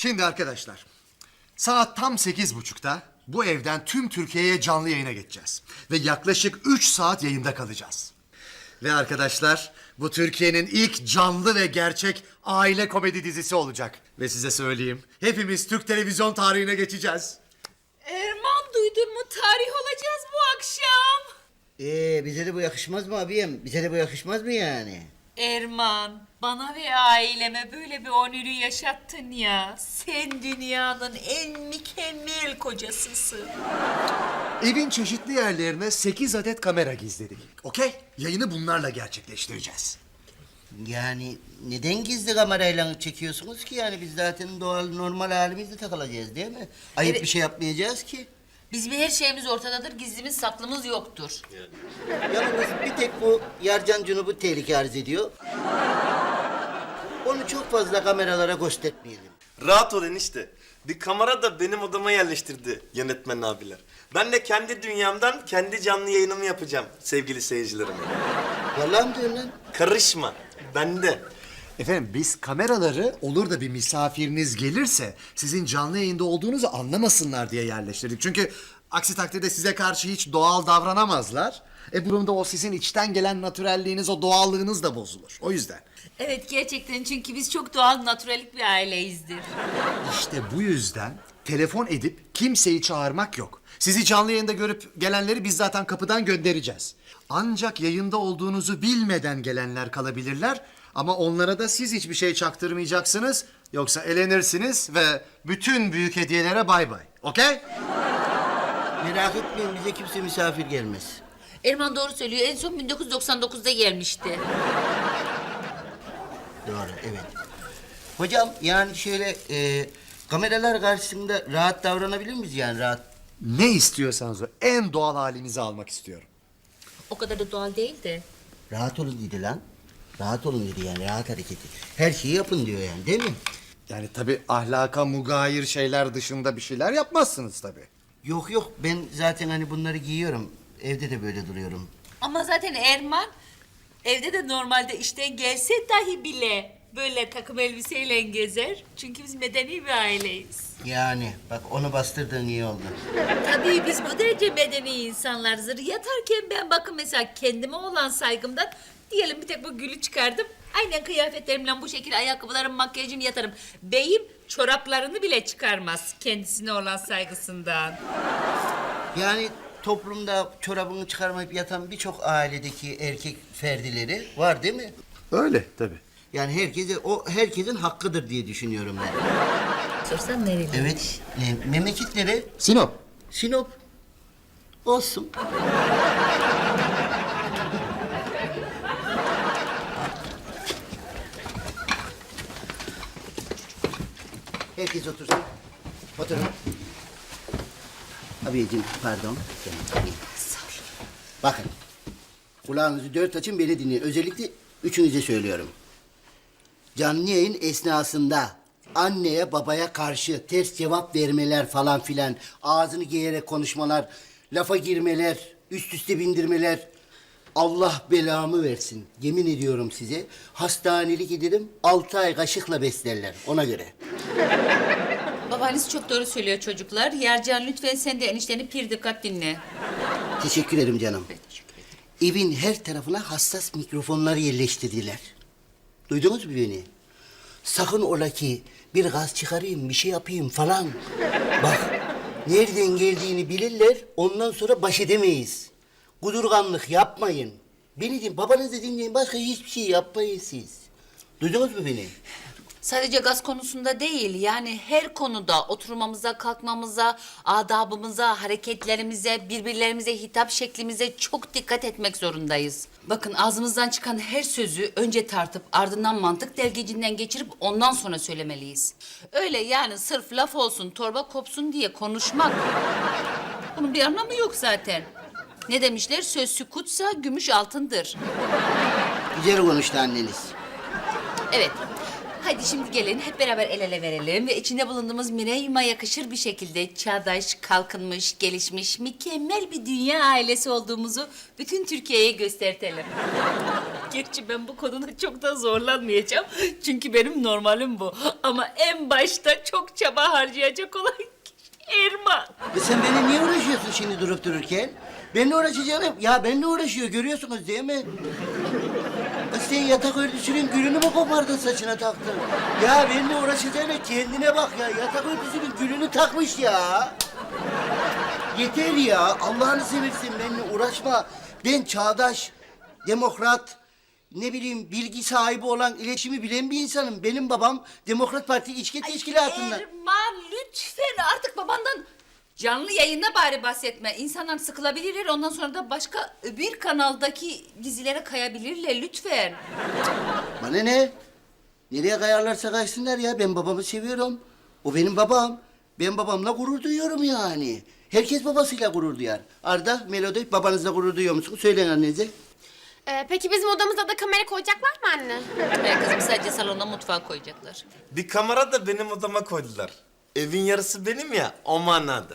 Şimdi arkadaşlar, saat tam 8.30'da bu evden tüm Türkiye'ye canlı yayına geçeceğiz. Ve yaklaşık 3 saat yayında kalacağız. Ve arkadaşlar, bu Türkiye'nin ilk canlı ve gerçek aile komedi dizisi olacak. Ve size söyleyeyim, hepimiz Türk televizyon tarihine geçeceğiz. Erman, duydun mu? Tarih olacağız bu akşam. Bize de bu yakışmaz mı abiyim? Bize de bu yakışmaz mı yani? Erman, bana ve aileme böyle bir onürü yaşattın ya. Sen dünyanın en mükemmel kocasısın. Evin çeşitli yerlerine 8 adet kamera gizledik. Okey? Yayını bunlarla gerçekleştireceğiz. Yani neden gizli kamerayla çekiyorsunuz ki? Yani biz zaten doğal, normal halimizde takılacağız değil mi? Ayıp Evet. bir şey yapmayacağız ki. Bizim her şeyimiz ortadadır, gizlimiz saklımız yoktur. Yalnız bir tek bu Yarcan Cunub'u tehlike arz ediyor. Onu çok fazla kameralara göstermeyelim. Rahat ol enişte. Bir kamera da benim odama yerleştirdi yönetmen abiler. Ben de kendi dünyamdan kendi canlı yayınımı yapacağım sevgili seyircilerime. Vallahi mi diyorsun lan? Karışma. Bende. Efendim biz kameraları olur da bir misafiriniz gelirse sizin canlı yayında olduğunuzu anlamasınlar diye yerleştirdik. Çünkü aksi takdirde size karşı hiç doğal davranamazlar. Bu durumda o sizin içten gelen natürelliğiniz, o doğallığınız da bozulur. O yüzden. Evet, gerçekten, çünkü biz çok doğal, natürelik bir aileyizdir. İşte bu yüzden telefon edip kimseyi çağırmak yok. Sizi canlı yayında görüp gelenleri biz zaten kapıdan göndereceğiz. Ancak yayında olduğunuzu bilmeden gelenler kalabilirler. Ama onlara da siz hiçbir şey çaktırmayacaksınız. Yoksa elenirsiniz ve bütün büyük hediyelere bay bay. Okey? Merak etmeyin, bize kimse misafir gelmez. Erman doğru söylüyor, en son 1999'da gelmişti. Doğru, evet. Hocam yani şöyle kameralar karşısında rahat davranabilir miyiz yani rahat? Ne istiyorsanız o. En doğal halinizi almak istiyorum. O kadar da doğal değil de. Rahat olun dedi lan. Rahat olun dedi yani rahat hareketi. Her şeyi yapın diyor yani değil mi? Yani tabii ahlaka mugayir şeyler dışında bir şeyler yapmazsınız tabii. Yok yok ben zaten hani bunları giyiyorum. Evde de böyle duruyorum. Ama zaten Erman evde de normalde işten gelse dahi bile böyle takım elbiseyle gezer. Çünkü biz medeni bir aileyiz. Yani bak onu bastırdığın iyi oldu. Tabii biz bu derece medeni insanlarızdır. Yatarken ben bakın mesela kendime olan saygımdan diyelim bir tek bu gülü çıkardım. Aynen kıyafetlerimle bu şekilde ayakkabılarım, makyajım yatarım. Beyim çoraplarını bile çıkarmaz kendisine olan saygısından. Yani toplumda çorabını çıkarmayıp yatan birçok ailedeki erkek ferdileri var değil mi? Öyle tabii. Yani herkesin hakkıdır diye düşünüyorum ben. Sorsan nereli? Evet. Memleket nere? Sinop. Sinop. Olsun. Herkes otursun. Oturun. Abiciğim pardon. Bakın. Kulağınızı dört açın beni dinleyin. Özellikle üçünüze söylüyorum. Canlı yayın esnasında anneye babaya karşı ters cevap vermeler falan filan, ağzını giyerek konuşmalar, lafa girmeler, üst üste bindirmeler. Allah belamı versin. Yemin ediyorum size. Hastanelik ederim, 6 ay kaşıkla beslerler ona göre. Babanız çok doğru söylüyor çocuklar. Yercan lütfen sen de enişteni pir dikkat dinle. Teşekkür ederim canım. Evin her tarafına hassas mikrofonlar yerleştirdiler. Duydunuz mu beni? Sakın ola ki bir gaz çıkarayım, bir şey yapayım falan. Bak, nereden geldiğini bilirler, ondan sonra baş edemeyiz. Kudurganlık yapmayın. Beni dinleyin, babanızı dinleyin, başka hiçbir şey yapmayın siz. Duydunuz mu beni? Sadece gaz konusunda değil, yani her konuda oturmamıza, kalkmamıza, adabımıza, hareketlerimize, birbirlerimize hitap şeklimize çok dikkat etmek zorundayız. Bakın ağzımızdan çıkan her sözü önce tartıp ardından mantık delgecinden geçirip ondan sonra söylemeliyiz. Öyle yani sırf laf olsun, torba kopsun diye konuşmak. Bunun bir anlamı yok zaten. Ne demişler? Söz sükutsa gümüş altındır. Güzel konuştu anneniz. Evet. Ha Haydi şimdi gelin hep beraber el ele verelim ve içinde bulunduğumuz Mireyim'e yakışır bir şekilde çağdaş, kalkınmış, gelişmiş, mükemmel bir dünya ailesi olduğumuzu bütün Türkiye'ye göstertelim. Gerçi ben bu konuda çok da zorlanmayacağım. Çünkü benim normalim bu. Ama en başta çok çaba harcayacak olan kişi Erman. Sen benimle niye uğraşıyorsun şimdi durup dururken? Benimle uğraşacağım. Ya benimle uğraşıyor görüyorsunuz değil mi? Kız sen yatak örtüsünün gülünü mü kopardın saçına taktın? Ya benimle uğraşacağına kendine bak ya. Yatak örtüsünün gülünü takmış ya. Yeter ya. Allah'ını seversen benimle uğraşma. Ben çağdaş, demokrat, ne bileyim bilgi sahibi olan, iletişimi bilen bir insanım. Benim babam Demokrat Parti İçki Teşkilatı'ndan. Erman lütfen artık babandan canlı yayında bari bahsetme. İnsanlar sıkılabilirler. Ondan sonra da başka bir kanaldaki dizilere kayabilirler lütfen. Bana ne? Nereye kayarlarsa kaysınlar ya. Ben babamı seviyorum. O benim babam. Ben babamla gurur duyuyorum yani. Herkes babasıyla gurur duyar. Arda, Melodi, babanızla gurur duyuyor musunuz? Söyleyin annenize. Peki bizim odamıza da kamera koyacaklar mı anne? Kızım sadece salona mutfağa koyacaklar. Bir kamera da benim odama koydular. Evin yarısı benim ya, o manada.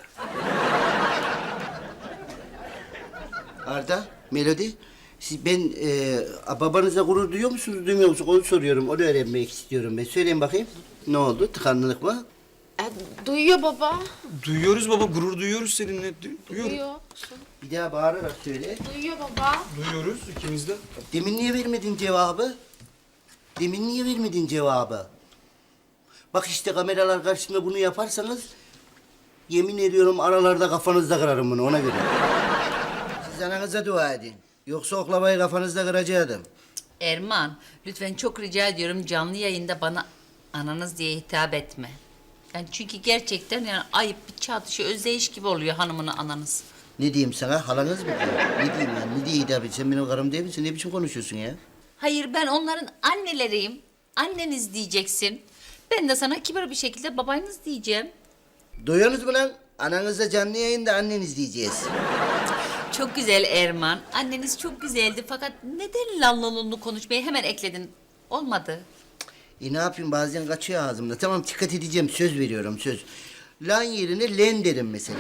Arda, Melodi, babanızla gurur duyuyor musunuz, duymuyor musunuz? Onu soruyorum, onu öğrenmek istiyorum ben. Söyleyin bakayım. Ne oldu? Tıkanlılık mı? Duyuyor baba. Duyuyoruz baba, gurur duyuyoruz seninle. Duyuyoruz. Duyuyor. Bir daha bağırarak söyle. Duyuyor baba. Duyuyoruz ikimiz de. Demin niye vermedin cevabı? Demin niye vermedin cevabı? Bak işte kameralar karşısında bunu yaparsanız... ...yemin ediyorum aralarda kafanızda kırarım bunu, ona göre. Siz ananıza dua edin. Yoksa oklamayı kafanızda kıracaktım. Erman lütfen çok rica ediyorum canlı yayında bana ananız diye hitap etme. Yani çünkü gerçekten yani ayıp bir çatışı özdeyiş gibi oluyor hanımına ananız. Ne diyeyim sana, halanız mı diyor? Ne diyeyim yani, ne diye hitap et? Sen benim karım değil misin? Ne biçim konuşuyorsun ya? Hayır ben onların anneleriyim. Anneniz diyeceksin. Ben de sana kibar bir şekilde babanız diyeceğim. Duyuyorsunuz mu lan? Ananızla canlı yayında anneniz diyeceğiz. Çok güzel Erman. Anneniz çok güzeldi fakat neden lanlolunlu konuşmayı hemen ekledin? Olmadı. Ne yapayım, bazen kaçıyor ağzımda. Tamam, dikkat edeceğim, söz veriyorum, söz. Lan yerine len derim mesela.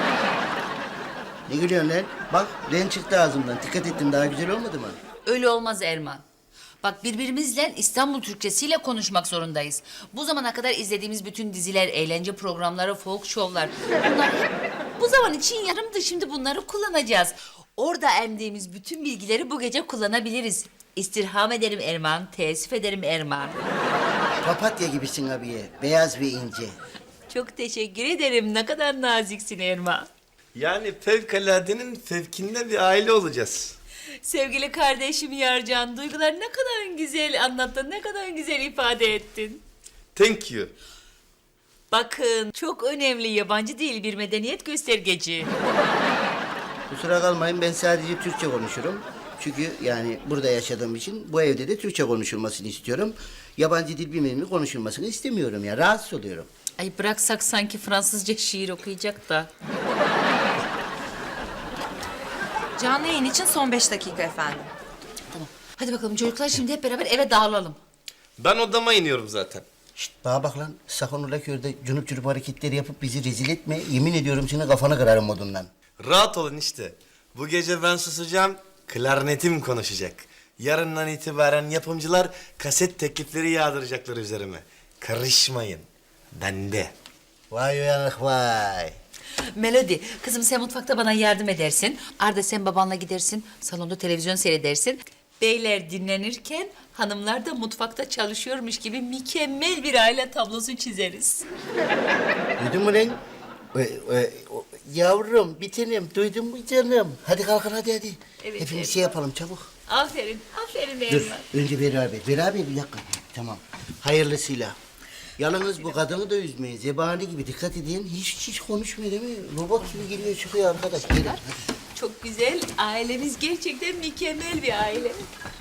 Ne gülüyorsun lan? Bak, len çıktı ağzımdan. Dikkat ettim, daha güzel olmadı mı? Öyle olmaz Erman. Bak birbirimizle İstanbul Türkçesiyle konuşmak zorundayız. Bu zamana kadar izlediğimiz bütün diziler, eğlence programları, folk şovlar... ...bunlar hep bu zaman için yarımdı. Şimdi bunları kullanacağız. Orada emdiğimiz bütün bilgileri bu gece kullanabiliriz. İstirham ederim Erman, teessüf ederim Erman. Papatya gibisin abiye, beyaz ve ince. Çok teşekkür ederim. Ne kadar naziksin Erman. Yani fevkaladenin fevkinde bir aile olacağız. Sevgili kardeşim Yarcan, duygular ne kadar güzel anlattın, ne kadar güzel ifade ettin. Thank you. Bakın, çok önemli yabancı dil bir medeniyet göstergeci. Kusura kalmayın, ben sadece Türkçe konuşurum. Çünkü yani burada yaşadığım için bu evde de Türkçe konuşulmasını istiyorum. Yabancı dil bilmediğimi konuşulmasını istemiyorum ya, rahatsız oluyorum. Ay bıraksak sanki Fransızca şiir okuyacak da. Canlı yayın için son 5 dakika efendim. Tamam. Hadi bakalım çocuklar şimdi hep beraber eve dağılalım. Ben odama iniyorum zaten. Şşt, bana bak lan, sakın ola ki orada cunup cunup hareketleri yapıp bizi rezil etme. Yemin ediyorum senin kafanı kırarım modundan. Rahat olun işte. Bu gece ben susacağım, klarnetim konuşacak. Yarından itibaren yapımcılar kaset teklifleri yağdıracaklar üzerime. Karışmayın. Bende. Vay uyanık vay. Melodi, kızım sen mutfakta bana yardım edersin. Arda sen babanla gidersin, salonda televizyon seyredersin. Beyler dinlenirken hanımlar da mutfakta çalışıyormuş gibi mükemmel bir aile tablosu çizeriz. Duydun mu lan? Yavrum, bir tanem, duydun mu canım? Hadi kalkın hadi. Evet, Hepimiz evet. şey yapalım çabuk. Aferin, aferin Dur, Erman. önce beraber. Beraber bir dakika. Tamam. Hayırlısıyla. Yalnız bu kadını da üzmeyin. Zebani gibi dikkat edin. Hiç konuşmuyor değil mi? Robot gibi giriyor çıkıyor arkadaş. Gelin hadi. Çok güzel, ailemiz gerçekten mükemmel bir aile.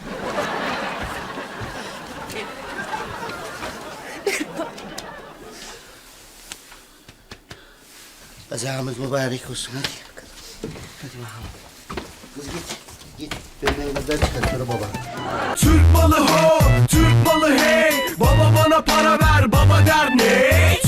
Kazamız mübarek olsun hadi. Hadi bakalım. Kız git. Ben buradan çıkar sonra baba. Türk malı ho, Türk malı hey. Baba bana para ver, baba der ne?